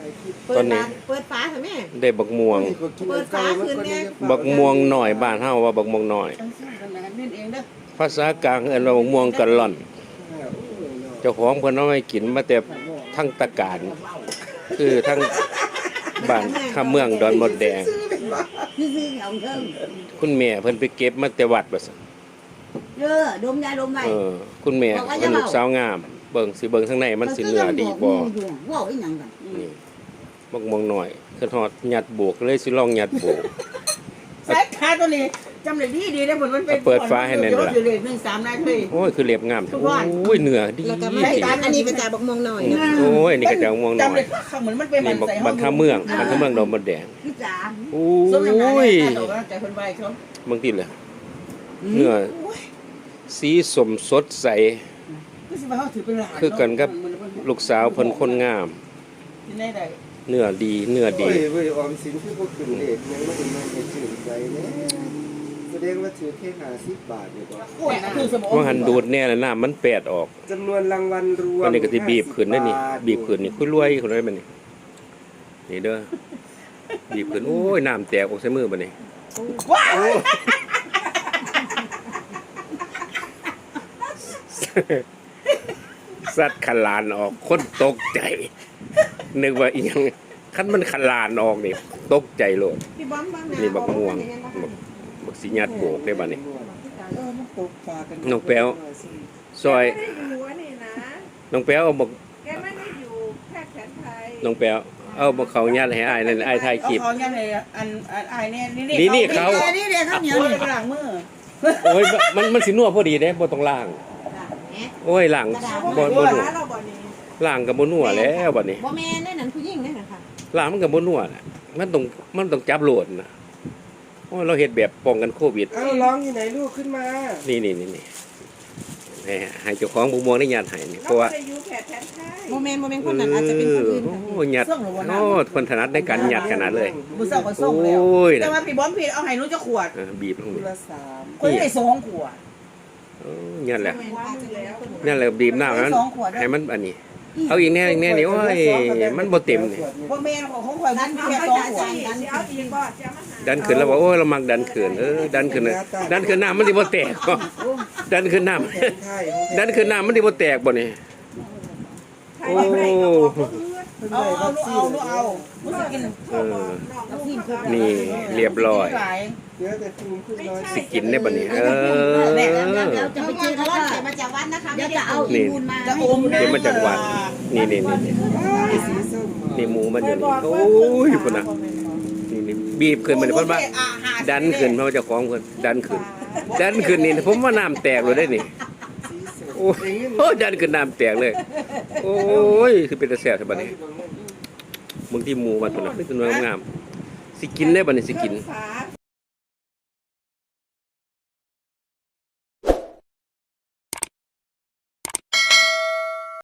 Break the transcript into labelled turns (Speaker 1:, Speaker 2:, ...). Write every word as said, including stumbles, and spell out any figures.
Speaker 1: ตอนนี้
Speaker 2: เปิดฝาค่ะแม่
Speaker 1: ได้บักม่วง
Speaker 2: เปิดฝาคืนเนี่ย
Speaker 1: บักม่วงหน่อยบ้านเฮาว่าบักม่วงหน่อยภาษากลางเอิ้นว่าบักม่วงกะล่อนเจ้าของเพิ่นเอาให้กินมาแต่ทั้งตะการคือทั้งบ้านข้าเมืองดอนมดแดงคุณแม่เพิ่นไปเก็บมาแต่วัดว่าซั่น
Speaker 2: เออดมยาดมไว้
Speaker 1: เออคุณแม่เป็นลูกสาวงามเบิ่งสิเบิ่งทางในมันสิเนื้อดีบ่
Speaker 2: ว้าวอีหยังกัน
Speaker 1: นี่บักม่วงหน่อยคือฮอดยัดโบกเลยสิลองยัดโบก
Speaker 2: สายขาตัวนี้จำได้ดีดีนะผลมันเป็น
Speaker 1: เปิดฟ้าให้แน่นล่ะ
Speaker 2: อยู่เลยหนึ่งสามนายเลย
Speaker 1: โอ้ยคือเรียบงามโอ้ยเนื้อดี
Speaker 2: แล้วก็ไม่ตามอันนี้ก็จะบักม่วงหน่อย
Speaker 1: โอ้ยนี่ก็จะบักม่วงหน่อย
Speaker 2: จำได้เหมือนมันเป็นมันใส่ห้อง
Speaker 1: บักข้าเมืองบักข้าเมืองดอนมดแดงโอ้ยบางทีเลยเนื้อสีสมสดใสคือกันกับลูกสาวเพิ่นคนงามเนื้อดีเนื้อดี
Speaker 3: เว้ยเว้ยออมสินคือพวกขึ้นเลขยังไม่ได้มาให้ชื่นใจแน่แสดงว่าถือแค่ห้าสิบบาทนี่บ่
Speaker 1: ว่าหันดูดแน่แล้วน้ำมันแปดออก
Speaker 3: จำนวนรางวัลรวม
Speaker 1: วันนี้ก็สิบีบขึ้นได้นี่บีบขึ้นนี่คุยรวยคนได้บัดนี้นี่เด้อบีบขึ้นโอ้ยน้ำแตกออกใส่มือบัดนี้ว้าวสัตว์ขลานออกคนตกใจนึกว่าอีหยังคันมันขลานออกนี่ตกใจโลดนี่บักม่วงบักสิญาติโบกได้บัดนี้น้องแป๊วซอยน้องแป๊วเอาบัก
Speaker 4: แกไม่ได้อยู่แพทย์แผนไทย
Speaker 1: น้องแป๊วเอาบักเขาญาติให้อ้ายนั่นอ้ายถ่ายคลิป
Speaker 2: เขาญาติให้อันอ้ายเนี่ย
Speaker 1: นี่นี่เขา
Speaker 2: นี่เด้ข้าวเหนียวนี่ล้างมือ
Speaker 1: โอ้ยมันมันสินัวพอดีเด้บ่ต้องล้างโอ้ยล้างบ่บ่นัวล้างก็บ่นัวแล้วบัดนี้
Speaker 2: บ่แม่นได้นั่นผู้หญิงเด้น่ะค่ะ
Speaker 1: ล้างมันก็บ่นัวน่ะมันต้องมันต้องจับโหลดน่ะโอ้ยเราเฮ็ดแบบป้องกันโควิด
Speaker 3: เอ้าร้องอยู่ไหนลูกขึ้นมา
Speaker 1: นี่ๆๆๆให้เจ้าของบักม่วงได้ญาติให้นี่เพราะว่า
Speaker 2: บ่แม่นบ่แม่นคนนั้นอาจจะเป็นคนอื่นค่ะ
Speaker 1: โอ้ยญาติโอ้คนถนัดในการญาติขนาดเลย
Speaker 2: บ่เซาก็ส่งแล้วแต่ว่าพี่บอมพี่เอาให้หนูจะขวด
Speaker 1: เออบีบลงนี่
Speaker 2: คนได้สองขวด
Speaker 1: โอ้ญาติแหละนั่นแหละบีบน้ำนั้นให้มันอันนี้เอาอีกแน่อีกแน่นี่โอ้ยมันบ่เต็มนี่
Speaker 2: บ่แม่นของข่อยมันแค่สองขวด
Speaker 4: เอาอีกบ่จะมาหา
Speaker 1: ดันขึ้นแล้วบอกโอ้ยเรามักดันขึ้นเออดันขึ้นดันขึ้นน้ำมันสิบ่แตกดันขึ้นน้ำดันขึ้นน้ำมันสิบ่แตกบ่นี่โอ้
Speaker 2: เอาเอาเอาเอา
Speaker 1: นี่เรียบร้อยสิกินได้บ่นี่เออ
Speaker 2: จะไปซื้อร้อนใส่มาจากวัดนะคะเดี๋ยวจะเอาอีมูลมา
Speaker 1: จะอมเดี๋ยวมาจากวัดนี่นี่นี่นี่หมูมันอยู่นี่โอ้ยพุ่นน่ะนี่บีบขึ้นมาเพราะว่าดันขึ้นเพราะว่าเจ้าของเพิ่นดันขึ้นดันขึ้นนี่ผมว่าน้ำแตกเลยได้นี่โอ้ยดันขึ้นน้ำแตกเลยโอ้ยคือเป็นตะแซ่บซะบัดนี้มึงที่หมูมันพุ่นน่ะเป็นตัวงามสิกินได้บัดนี้สิกิน